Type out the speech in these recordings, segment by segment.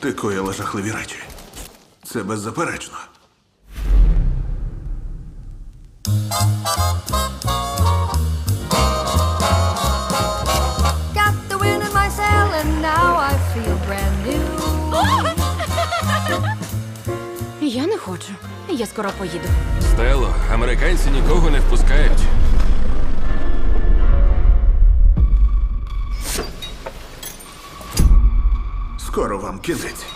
Ти коїла жахливі речі. Це беззаперечно. Got the wind in my sail and now I feel brand new. Я не хочу. Я скоро поїду. Стело, американці нікого не впускають. Скоро вам кінець.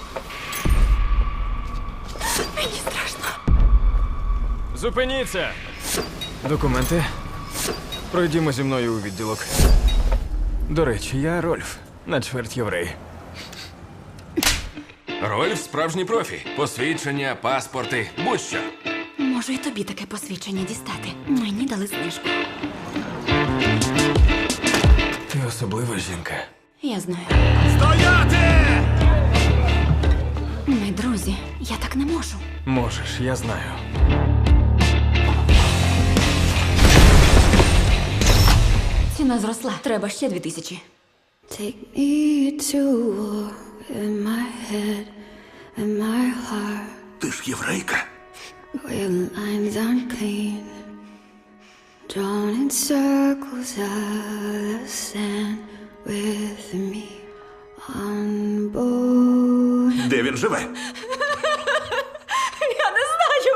Мені страшно. Зупиніться! Документи. Пройдімо зі мною у відділок. До речі, я Рольф, на чверть єврей. Рольф справжній профі. Посвідчення, паспорти, будь-що. Можу і тобі таке посвідчення дістати. Мені дали знижку. Ти особлива жінка. Я знаю. Стояти! Ми друзі. Я так не можу. Можеш, я знаю. Ціна зросла. Треба ще 2000. Take me to war in my head and my heart Ти ж єврейка. where lines aren't clean, drawn in circles out of sand with me on board. Де він живе? Я не знаю.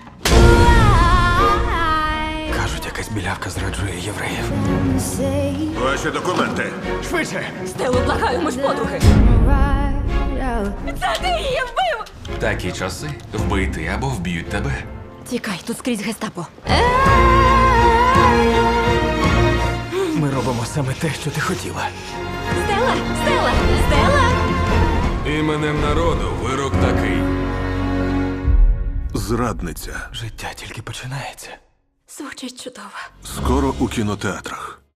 Кажуть, якась білявка зраджує євреїв. Say Ваші документи. Швидше! Стелу, благаю, ми ж подруги. right out. Це ти її вбив! Такі часи вбити або вб'ють тебе. Тікай, тут скрізь гестапо. Ми робимо саме те, що ти хотіла. Стела! Стела! Стела! Іменем народу вирок такий. Зрадниця. Життя тільки починається. Звучить чудово. Скоро у кінотеатрах.